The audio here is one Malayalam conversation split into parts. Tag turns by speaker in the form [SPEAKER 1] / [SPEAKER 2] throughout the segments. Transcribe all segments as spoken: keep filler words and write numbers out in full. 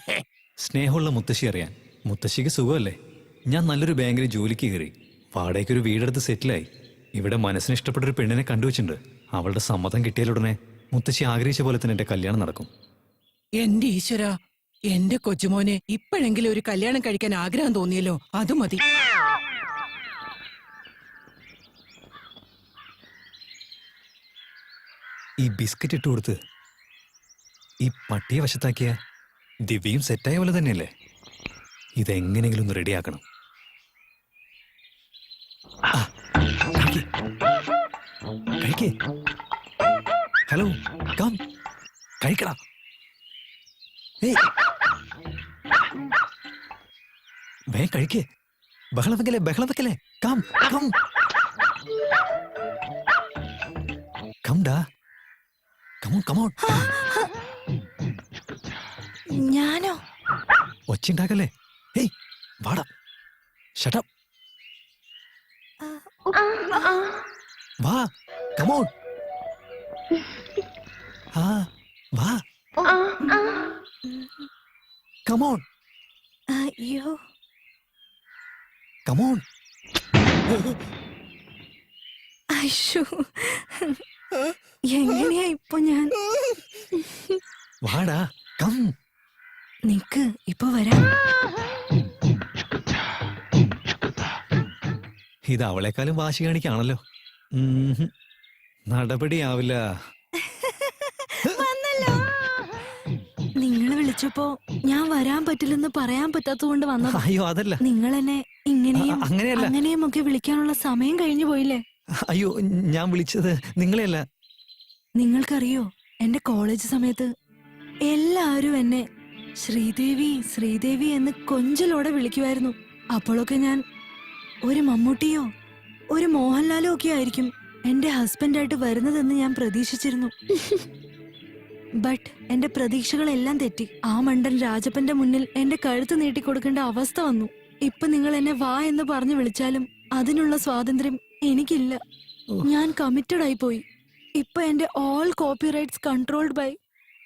[SPEAKER 1] സ്നേഹമുള്ള മുത്തശ്ശി അറിയാൻ. മുത്തശ്ശിക്ക് സുഖമല്ലേ? ഞാൻ നല്ലൊരു ബാങ്കിൽ ജോലിക്ക് കയറി, വാടകയ്ക്കൊരു വീടെടുത്ത് സെറ്റിലായി. ഇവിടെ മനസ്സിന് ഇഷ്ടപ്പെട്ടൊരു പെണ്ണിനെ കണ്ടുവച്ചിട്ടുണ്ട്. അവളുടെ സമ്മതം കിട്ടിയാലുടനെ മുത്തശ്ശി ആഗ്രഹിച്ച പോലെ തന്നെ എന്റെ കല്യാണം നടക്കും.
[SPEAKER 2] എന്റെ ഈശ്വര, എന്റെ കൊച്ചുമോനെ ഇപ്പോഴെങ്കിലും ഒരു കല്യാണം കഴിക്കാൻ ആഗ്രഹം തോന്നിയല്ലോ, അത് മതി.
[SPEAKER 1] ഈ ബിസ്ക്കറ്റ് ഇട്ട് കൊടുത്ത് ഈ പട്ടിയെ വശത്താക്കിയ ദിവ്യയും സെറ്റായ പോലെ തന്നെയല്ലേ? ഇതെങ്ങനെങ്കിലും ഒന്ന് റെഡിയാക്കണം. Hello, come കഴിക്കടാ. വേ കഴിക്കേ, ബഹളം വെക്കലേ ബഹളം വെക്കലേ. കം കം കം ഡാ, കമോൺ കമോൺ.
[SPEAKER 3] ഞാനോ?
[SPEAKER 1] ഒച്ചുണ്ടാക്കല്ലേ. ഹേയ് വാടാ, ഷട്ട് അപ്പ്. വാ, കമോൺ. ആ വാ, കമോൺ.
[SPEAKER 3] അയ്യോ,
[SPEAKER 1] കമോൺ.
[SPEAKER 3] അയ്യോ, എങ്ങനെയാ ഇപ്പൊ ഞാൻ?
[SPEAKER 1] വാടാ, കം.
[SPEAKER 3] നിക്ക്, ഇപ്പൊ വരാം.
[SPEAKER 1] ഇത് അവളെക്കാളും വാശി കാണിക്കാണല്ലോ. നടപടിയാവില്ല.
[SPEAKER 3] നിങ്ങൾ വിളിച്ചപ്പോ ഞാൻ വരാൻ പറ്റില്ലെന്ന് പറയാൻ പറ്റാത്തതുകൊണ്ട് വന്നത്.
[SPEAKER 1] അയ്യോ അതല്ല,
[SPEAKER 3] നിങ്ങൾ എന്നെ ഇങ്ങനെയും
[SPEAKER 1] അങ്ങനെയല്ല
[SPEAKER 3] അങ്ങനെയും ഒക്കെ വിളിക്കാനുള്ള സമയം കഴിഞ്ഞു പോയില്ലേ?
[SPEAKER 1] അയ്യോ, ഞാൻ വിളിച്ചത് നിങ്ങളെയല്ല.
[SPEAKER 3] നിങ്ങൾക്കറിയോ, എന്റെ കോളേജ് സമയത്ത് എല്ലാവരും എന്നെ ശ്രീദേവി ശ്രീദേവി എന്ന് കൊഞ്ചലോടെ വിളിക്കുമായിരുന്നു. അപ്പോഴൊക്കെ ഞാൻ ഒരു മമ്മൂട്ടിയോ ഒരു മോഹൻലാലോ ഒക്കെ ആയിരിക്കും എന്റെ ഹസ്ബൻഡായിട്ട് വരുന്നതെന്ന് ഞാൻ പ്രതീക്ഷിച്ചിരുന്നു. ബട്ട് എന്റെ പ്രതീക്ഷകളെല്ലാം തെറ്റി. ആ മണ്ടൻ രാജപ്പന്റെ മുന്നിൽ എന്റെ കഴുത്ത് നീട്ടിക്കൊടുക്കേണ്ട അവസ്ഥ വന്നു. ഇപ്പൊ നിങ്ങൾ എന്നെ വാ എന്ന് പറഞ്ഞു വിളിച്ചാലും അതിനുള്ള സ്വാതന്ത്ര്യം എനിക്കില്ല. ഞാൻ കമ്മിറ്റഡ് ആയി പോയി. ഇപ്പൊ എന്റെ all copyrights controlled by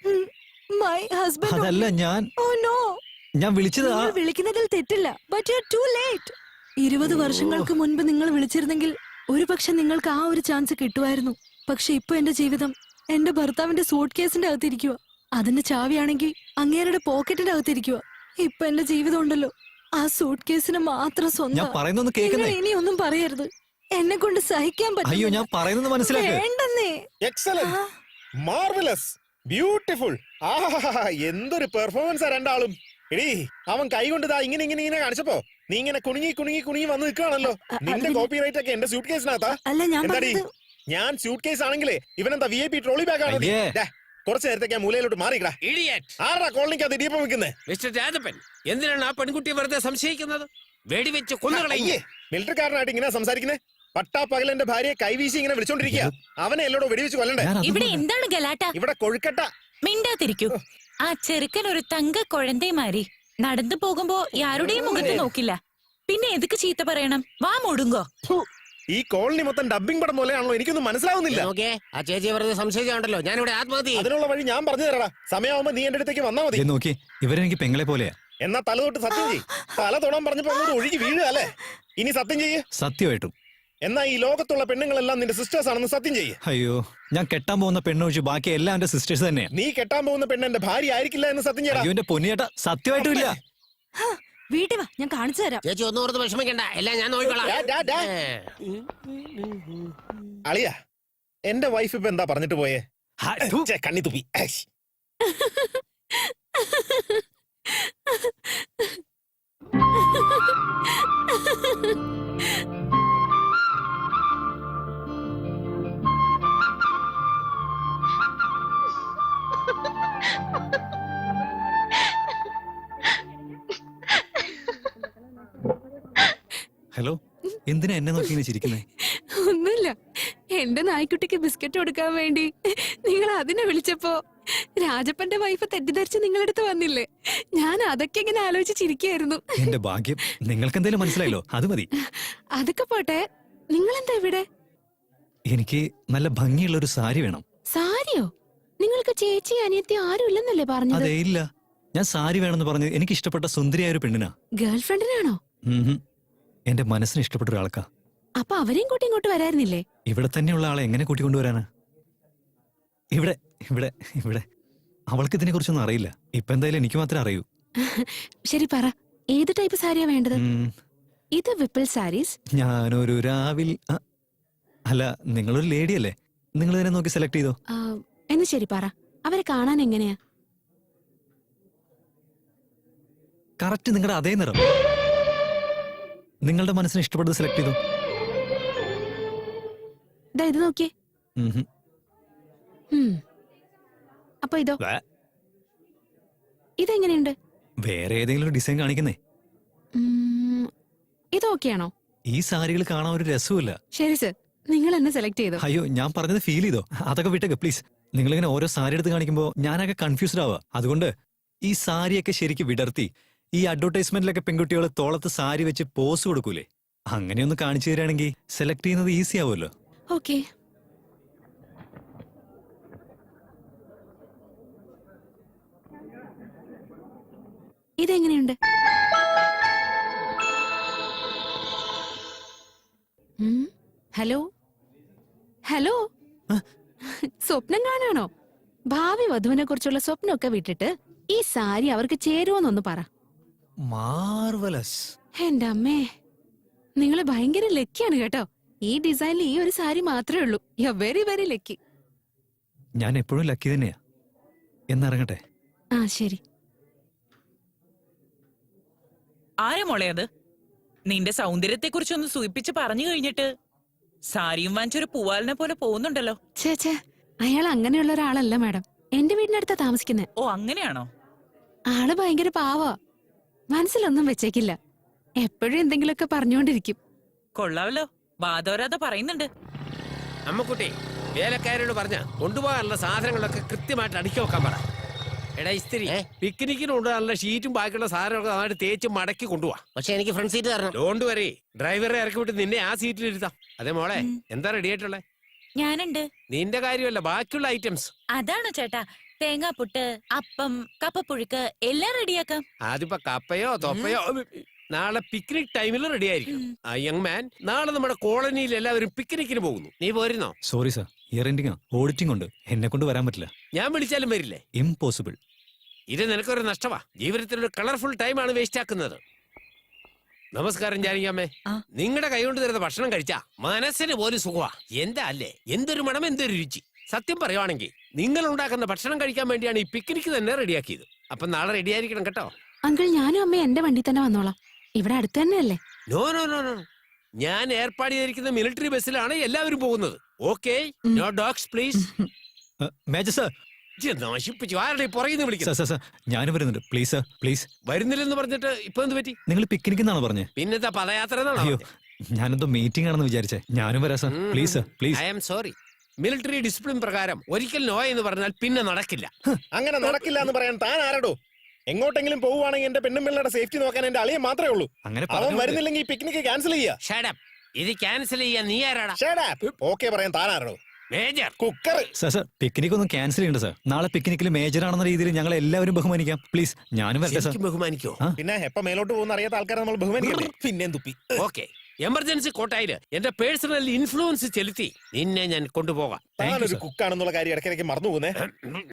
[SPEAKER 3] my husband.
[SPEAKER 1] അതല്ല ഞാൻ
[SPEAKER 3] ഓ നോ,
[SPEAKER 1] ഞാൻ വിളിച്ചത്
[SPEAKER 3] വിളിക്കുന്നതിൽ തെറ്റില്ല. But you are too late. ഇരുപത് വർഷങ്ങൾക്ക് മുൻപ് നിങ്ങൾ വിളിച്ചിരുന്നെങ്കിൽ ഒരു പക്ഷെ നിങ്ങൾക്ക് ആ ഒരു ചാൻസ് കിട്ടുമായിരുന്നു. പക്ഷെ ഇപ്പൊ എന്റെ ജീവിതം എന്റെ ഭർത്താവിന്റെ സൂട്ട് കേസിന്റെ അകത്തിരിക്കുക. അതിന്റെ ചാവിയാണെങ്കിൽ അങ്ങേരുടെ പോക്കറ്റിന്റെ അകത്തിരിക്കുക. ഇപ്പൊ എന്റെ ജീവിതം ഉണ്ടല്ലോ ആ സൂട്ട് കേസിന് മാത്രം സ്വന്തം. ഇനി ഒന്നും പറയരുത്, എന്നെ കൊണ്ട് സഹിക്കാൻ പറ്റില്ല.
[SPEAKER 1] അയ്യോ, ഞാൻ പറയുന്നത് മനസ്സിലാക്ക്.
[SPEAKER 3] വേണ്ടെന്നേ.
[SPEAKER 4] Excellent, marvellous, beautiful. ആഹാ, എന്തൊരു പെർഫോമൻസാ രണ്ടാളും. എടീ, അവൻ കൈ കൊണ്ട് ദാ ഇങ്ങനെ ഇങ്ങനെ ഇങ്ങനെ കാണിച്ചപ്പോ നീ ഇങ്ങനെ കുണുങ്ങി കുണുങ്ങി കുണുങ്ങി വന്ന് നിൽക്കുകയാണല്ലോ. നിന്റെ കോപ്പിറൈറ്റ് ഒക്കെ എന്റെ സൂട്ട് കേസിനകത്താ. എന്താടി, ഞാൻ സൂട്ട് കേസ് ആണെങ്കിലേ ഇവനെന്താ V I P trolley bag ആണ്. കുറച്ചു നേരത്തേക്ക് മൂലയിലോട്ട് മാറിക്കടാ. ആരാ കോളനിക്കകത്ത് ഇടിയപ്പം വെക്കുന്നത്?
[SPEAKER 5] മിസ്റ്റർ രാജപ്പൻ, എന്തിനാണ് ആ പെൺകുട്ടിയെ വെറുതെ സംശയിക്കുന്നത്? വെടിവെച്ച് കൊന്നുകളയേ.
[SPEAKER 4] മിലിറ്ററിക്കാരനായിട്ട് ഇങ്ങനെ സംസാരിക്കുന്നേ? പട്ടാ പകലെന്റെ ഭാര്യയെ കൈവീശി ഇങ്ങനെ വിളിച്ചോണ്ടിരിക്കുക. അവനെ എല്ലോടോ വെടിവെച്ച് കൊല്ലണ്ടേ?
[SPEAKER 6] ഇവിടെ എന്താണ് ഗലാട്ട?
[SPEAKER 4] ഇവിടെ കൊഴുക്കട്ട.
[SPEAKER 6] മിണ്ടാതിരിക്കൂ. ആ ചെറുക്കൻ ഒരു തങ്ക കുഴന്തേമാരി നടന്നു പോകുമ്പോ ആരുടെയും മുഖത്ത് നോക്കില്ല. പിന്നെ എതുക്ക് ചീത്ത പറയണം? വാ മൂടുങ്കോ.
[SPEAKER 4] ഈ കോളനി മൊത്തം ഡബിംഗ് പടം പോലെയാണല്ലോ, എനിക്കൊന്നും മനസ്സിലാവുന്നില്ല.
[SPEAKER 5] ആ ചേച്ചിയെ വെറുതെ സംശയിച്ചാണ്ടല്ലോ ഞാനിവിടെ ആത്മഹത്യ.
[SPEAKER 4] അതിനുള്ള വഴി ഞാൻ പറഞ്ഞു തരാടാ. സമയമാകുമ്പോ നീ എന്റെ അടുത്തേക്ക് വന്നാ മതി.
[SPEAKER 1] നോക്കി, ഇവരെനിക്ക് പെങ്ങളെ പോലെയാ.
[SPEAKER 4] എന്നാ തല തൊട്ട് സത്യം ചെയ്യ്. തല തൊടാൻ പറഞ്ഞപ്പോ അങ്ങോട്ട് ഒഴുകി വീഴുക അല്ലേ? ഇനി സത്യം ചെയ്യ്.
[SPEAKER 1] സത്യമായിട്ടും.
[SPEAKER 4] എന്നാ ഈ ലോകത്തുള്ള പെണ്ണുങ്ങളെല്ലാം നിന്റെ സിസ്റ്റേഴ്സ് ആണെന്ന് സത്യം ചെയ്യ്.
[SPEAKER 1] അയ്യോ, ഞാൻ കെട്ടാൻ പോകുന്ന പെണ്ണൊഴിച്ച് ബാക്കി എല്ലാം എന്റെ സിസ്റ്റേഴ്സ് തന്നെയാ.
[SPEAKER 4] നീ കെട്ടാൻ പോകുന്ന പെണ്ണ് എന്റെ ഭാര്യ ആയിരിക്കില്ല എന്ന് സത്യം ചെയ്യടാ.
[SPEAKER 1] അയ്യോ, എന്റെ പൊന്നിയേട്ടാ, സത്യമായിട്ടും ഇല്ല.
[SPEAKER 3] വീട്ടിൽ വാ, ഞാൻ കാണിച്ചു തരാം.
[SPEAKER 5] ചേച്ചി ഒന്നും ഓർത്ത് വിഷമിക്കണ്ട, എല്ലാം ഞാൻ നോക്കിക്കോളാം.
[SPEAKER 4] അളിയ, എന്റെ വൈഫ് ഇപ്പൊ എന്താ പറഞ്ഞിട്ട് പോയേ? കണ്ണി തുപ്പി.
[SPEAKER 1] ഹലോ, എന്തിനാ എന്നെ നോക്കി ചിരിക്കുന്നേ?
[SPEAKER 7] ഒന്നുമില്ല, എന്റെ നായ്ക്കുട്ടിക്ക് ബിസ്ക്കറ്റ് കൊടുക്കാൻ വേണ്ടി നിങ്ങൾ അതിനെ വിളിച്ചപ്പോ രാജപ്പന്റെ വൈഫ് തെറ്റിദ്ധരിച്ച് നിങ്ങളടുത്ത് വന്നില്ലേ? ഞാൻ അതൊക്കെ ഇങ്ങനെ ആലോചിച്ച് ചിരിക്കായിരുന്നു.
[SPEAKER 1] എന്റെ ഭാഗ്യം, നിങ്ങൾക്ക് എന്തെങ്കിലും മനസ്സിലായല്ലോ, അത് മതി.
[SPEAKER 7] അതൊക്കെ പോട്ടെ, നിങ്ങൾ എന്താ ഇവിടെ?
[SPEAKER 1] എനിക്ക് നല്ല ഭംഗിയുള്ള ഒരു സാരി വേണം.
[SPEAKER 7] സാരിയോ? നിങ്ങൾക്ക് ചേച്ചി അനിയത്തി ആരും ഇല്ലെന്നല്ലേ പറഞ്ഞത്?
[SPEAKER 1] അതെ, ഇല്ല. ഞാൻ സാരി വേണമെന്ന് പറഞ്ഞ് എനിക്ക് ഇഷ്ടപ്പെട്ട സുന്ദരിയായ ഒരു പെണ്ണിനാ.
[SPEAKER 7] ഗേൾ ഫ്രണ്ടിനാണോ?
[SPEAKER 1] ഉം. എന്റെ മനസ്സിന് ഇഷ്ടപ്പെട്ട ഒരാൾക്കാ.
[SPEAKER 7] അപ്പൊ അവരെയും കൂട്ടി ഇങ്ങോട്ട് വരായിരുന്നില്ലേ?
[SPEAKER 1] ഇവിടെ തന്നെയുള്ള ആളെ എങ്ങനെ കൂട്ടിക്കൊണ്ടുവരാനാ? ഇവിടെ ഇവിടെ ഇവിടെ അവൾക്ക് ഇതിനെ കുറിച്ചൊന്നും അറിയില്ല. ഇപ്പൊ എന്തായാലും എനിക്ക് മാത്രമേ അറിയൂ.
[SPEAKER 7] ശരി പറ, ഏത് ടൈപ്പ് സാരിയാ വേണ്ടത്?
[SPEAKER 1] ഉം,
[SPEAKER 7] ഇത് വിപ്പിൾ സാരീസ്.
[SPEAKER 1] ഞാനൊരു രാവിൽ ആ, അല്ല, നിങ്ങളൊരു ലേഡി അല്ലേ, നിങ്ങൾ ഇതിനെ നോക്കി സെലക്ട് ചെയ്തോ.
[SPEAKER 7] ആ, എന്ന് ശരി പറ, അവരെ കാണാൻ എങ്ങനെയാ?
[SPEAKER 1] കറക്റ്റ് നിങ്ങളുടെ അതേ നിറം. നിങ്ങളുടെ മനസ്സിന് ഇഷ്ടപ്പെട്ടത് സെലക്ട് ചെയ്തോ.
[SPEAKER 7] ദാ ഇത് നോക്കിയേ.
[SPEAKER 1] ഉം ഹും.
[SPEAKER 7] ഉം. അപ്പൊ ഇതോ?
[SPEAKER 1] വേ,
[SPEAKER 7] ഇതെങ്ങനെയുണ്ട്?
[SPEAKER 1] വേറെ ഏതെങ്കിലും ഡിസൈൻ കാണിക്കുന്നേ.
[SPEAKER 7] ഉം, ഇത് ഓക്കെയാണോ?
[SPEAKER 1] ഈ സാരികൾ കാണാൻ ഒരു രസമില്ല.
[SPEAKER 7] ശരി സർ, നിങ്ങൾ എന്നെ സെലക്ട് ചെയ്തോ.
[SPEAKER 1] അയ്യോ, ഞാൻ പറഞ്ഞത് ഫീൽ ചെയ്തോ. അതൊക്കെ വിട്ടേക്ക് പ്ലീസ്. നിങ്ങളിങ്ങനെ ഓരോ സാരി എടുത്ത് കാണിക്കുമ്പോൾ ഞാനൊക്കെ കൺഫ്യൂസ്ഡ് ആവുക. അതുകൊണ്ട് ഈ സാരിയൊക്കെ ശരിക്കും വിടർത്തി ഈ അഡ്വർടൈസ്മെന്റിലൊക്കെ പെൺകുട്ടികൾ തോളത്ത് സാരി വെച്ച് പോസ് കൊടുക്കൂലേ, അങ്ങനെയൊന്ന് കാണിച്ചു തരാണെങ്കിൽ സെലക്ട് ചെയ്യുന്നത് ഈസി ആവുമല്ലോ.
[SPEAKER 7] ഓക്കെ. ഇതെങ്ങനെയുണ്ട്? ഉം, ഹലോ ഹലോ, സ്വപ്നം കാണാണോ? ഭാവി വധുവിനെ കുറിച്ചുള്ള സ്വപ്നമൊക്കെ വിട്ടിട്ട് ഈ സാരി അവർക്ക് ചേരുവോന്നൊന്ന് പറ.
[SPEAKER 1] മാർവലസ്.
[SPEAKER 7] എന്റെ അമ്മേ, നിങ്ങള് ഭയങ്കര ലക്കിയാണ് കേട്ടോ. ഈ ഡിസൈനിൽ ഈ ഒരു സാരി മാത്രമേ ഉള്ളൂ. You very very lucky.
[SPEAKER 1] ഞാൻ എപ്പോഴും ലക്കി തന്നെയാ. എന്നിറങ്ങട്ടെ.
[SPEAKER 7] ആ ശരി.
[SPEAKER 6] ആരാ മോളെ അത്? നിന്റെ സൗന്ദര്യത്തെ കുറിച്ചൊന്ന് സൂചിപ്പിച്ച് പറഞ്ഞു കഴിഞ്ഞിട്ട് സാരിയും വാങ്ങിച്ചൊരു പൂവാലിനെ പോലെ പോകുന്നുണ്ടല്ലോ.
[SPEAKER 7] ഛേ ഛേ, അയാൾ അങ്ങനെയുള്ള ഒരാളല്ല മാഡം. എന്റെ വീടിനടുത്താ താമസിക്കുന്നത്.
[SPEAKER 6] ഓ, അങ്ങനെയാണോ?
[SPEAKER 7] ആള് ഭയങ്കര പാവാ. മനസ്സിലൊന്നും വെച്ചേക്കില്ല. എപ്പോഴും എന്തെങ്കിലുമൊക്കെ പറഞ്ഞുകൊണ്ടിരിക്കും.
[SPEAKER 6] കൊള്ളാവല്ലോ, വാദോരാതെ പറയുന്നുണ്ട്.
[SPEAKER 5] അമ്മക്കുട്ടി, വേലക്കാരോട് പറഞ്ഞ കൊണ്ടുപോകാനുള്ള സാധനങ്ങളൊക്കെ കൃത്യമായിട്ട് അടുക്കി വെക്കാൻ പറ. എടാ ഇസ്തിരി, പിക്നിക്കിന് കൊണ്ടുപോകാനുള്ള ഷീറ്റും ബാക്കിയുള്ള സാധനങ്ങളൊക്കെ നന്നായിട്ട് തേച്ച് മടക്കി കൊണ്ടുപോവാ.
[SPEAKER 8] പക്ഷെ എനിക്ക് ഫ്രണ്ട് സീറ്റ് തരണം.
[SPEAKER 5] ഡോണ്ട് വരി, ഡ്രൈവറെ ഇറക്കി വിട്ട് നിന്നെ ആ സീറ്റിൽ ഇരുത്താം. അതെ മോളെ, എന്താ റെഡി ആയിട്ടുള്ളേ?
[SPEAKER 6] ഞാനുണ്ട്.
[SPEAKER 5] നിന്റെ കാര്യമല്ല, ബാക്കിയുള്ള ഐറ്റംസ്.
[SPEAKER 6] അതാണോ ചേട്ടാ? തേങ്ങാപ്പുട്ട്, അപ്പം, കപ്പപ്പുഴുക്ക് എല്ലാം റെഡിയാക്കാം.
[SPEAKER 5] അതിപ്പോ കപ്പയോ തൊപ്പയോ നാളെ പിക്നിക് ടൈമിൽ റെഡി ആയിരിക്കും. ആ യങ് മാൻ, നാളെ നമ്മുടെ കോളനിയിൽ എല്ലാവരും പിക്നിക്കിന് പോകുന്നു. നീ പോരുന്നോ?
[SPEAKER 1] Sorry sir, year ending auditing ഉണ്ട്, എന്നെ കൊണ്ട് വരാൻ പറ്റില്ല.
[SPEAKER 5] ഞാൻ വിളിച്ചാലും വരില്ലേ?
[SPEAKER 1] ഇംപോസിബിൾ.
[SPEAKER 5] ഇത് നിനക്കൊരു നഷ്ടമാ. ജീവിതത്തിൽ ഒരു കളർഫുൾ ടൈമാണ് വേസ്റ്റ് ആക്കുന്നത്. നമസ്കാരം ജാനകിയമ്മേ.
[SPEAKER 6] ആ.
[SPEAKER 5] നിങ്ങളുടെ കൈകൊണ്ട് തരുന്ന ഭക്ഷണം കഴിച്ചാ മനസ്സിന് പോലും സുഖമാ. എന്താ അല്ലേ, എന്തൊരു മണം, എന്തൊരു രുചി. സത്യം പറയുവാണെങ്കിൽ നിങ്ങൾ ഉണ്ടാക്കുന്ന ഭക്ഷണം കഴിക്കാൻ വേണ്ടിയാണ് ഈ പിക്നിക്ക് തന്നെ റെഡിയാക്കിയത്. അപ്പൊ നാളെ റെഡി ആയിരിക്കണം കേട്ടോ.
[SPEAKER 7] അങ്കിൾ, ഞാനും അമ്മയും എന്റെ വണ്ടി തന്നെ വന്നോളാം. ഇവിടെ അടുത്ത് തന്നെയല്ലേ?
[SPEAKER 5] നോ നോ നോ നോ ഞാൻ ഏർപ്പാട് ചെയ്തിരിക്കുന്ന മിലിറ്ററി ബസ്സിലാണ് എല്ലാവരും പോകുന്നത്. Okay, no dogs please.
[SPEAKER 1] Major sir,
[SPEAKER 5] നശിപ്പിച്ചു. ആരുടെ പുറകിൽ
[SPEAKER 1] സാർ
[SPEAKER 5] വിളിക്കുന്നത്?
[SPEAKER 1] സാർ സാർ ഞാനും വരുന്നുണ്ട്. Please sir, please.
[SPEAKER 5] വരുന്നില്ലെന്ന് പറഞ്ഞിട്ട് ഇപ്പൊ എന്ത് പറ്റി?
[SPEAKER 1] നിങ്ങൾ പിക്നിക് എന്നാണോ പറഞ്ഞത്?
[SPEAKER 5] പിന്നത്തെ പദയാത്ര എന്നാണോ
[SPEAKER 1] അയ്യോ,
[SPEAKER 5] പറഞ്ഞത്?
[SPEAKER 1] ഞാനെന്തോ മീറ്റിംഗ് ആണെന്ന് വിചാരിച്ചേ. ഞാനും വരാം sir. Please sir, please.
[SPEAKER 5] I am sorry. Military discipline പ്രകാരം ഒരിക്കൽ നോ എന്ന് പറഞ്ഞാൽ പിന്നെ നടക്കില്ല.
[SPEAKER 4] അങ്ങനെ നടക്കില്ല എന്ന് പറയാൻ താൻ ആരടോ? എങ്ങോട്ടെങ്കിലും പോവുകയാണെങ്കിൽ എന്റെ പെണ്ണുമ്പിള്ളയുടെ സേഫ്റ്റി നോക്കാൻ എന്റെ അളിയെ മാത്രമേ ഉള്ളൂ.
[SPEAKER 1] അങ്ങനെ
[SPEAKER 4] അവൻ
[SPEAKER 1] പറഞ്ഞു.
[SPEAKER 4] വരുന്നില്ലെങ്കിൽ ഈ പിക്നിക്ക് ക്യാൻസൽ ചെയ്യാ.
[SPEAKER 5] Shut up. ഇത് ക്യാൻസൽ ചെയ്യാൻ നീ ആരാടാ?
[SPEAKER 4] ഓക്കെ പറയാൻ താൻ ആരടോ?
[SPEAKER 5] Major.
[SPEAKER 4] Cooker.
[SPEAKER 1] Sir sir picnic ഒന്നും ക്യാൻസൽ ചെയ്യണ്ട സാർ. നാളെ പിക്നിക്കിൽ മേജർ ആണെന്ന രീതിയിൽ ഞങ്ങൾ എല്ലാവരും ബഹുമാനിക്കാം. പ്ലീസ്, ഞാനും വരട്ടെ സാർ.
[SPEAKER 5] ശരിക്കും ബഹുമാനിക്കോ?
[SPEAKER 1] ആ.
[SPEAKER 4] പിന്നെ എപ്പ മേലോട്ട് പോകുന്ന അറിയാത്ത ആൾക്കാരെ നമ്മൾ ബഹുമാനിക്കണ്ടേ? പിന്നെയും തുപ്പി.
[SPEAKER 5] ഓക്കെ, എമർജൻസി കോട്ടായില് എന്റെ പേഴ്സണൽ ഇൻഫ്ലുവൻസ് ചെലുത്തി നിന്നെ ഞാൻ കൊണ്ടുപോകാം.
[SPEAKER 4] താനൊരു കുക്കാണെന്നുള്ള കാര്യം ഇടയ്ക്കിടയ്ക്ക് മറന്നു പോകുന്നേ.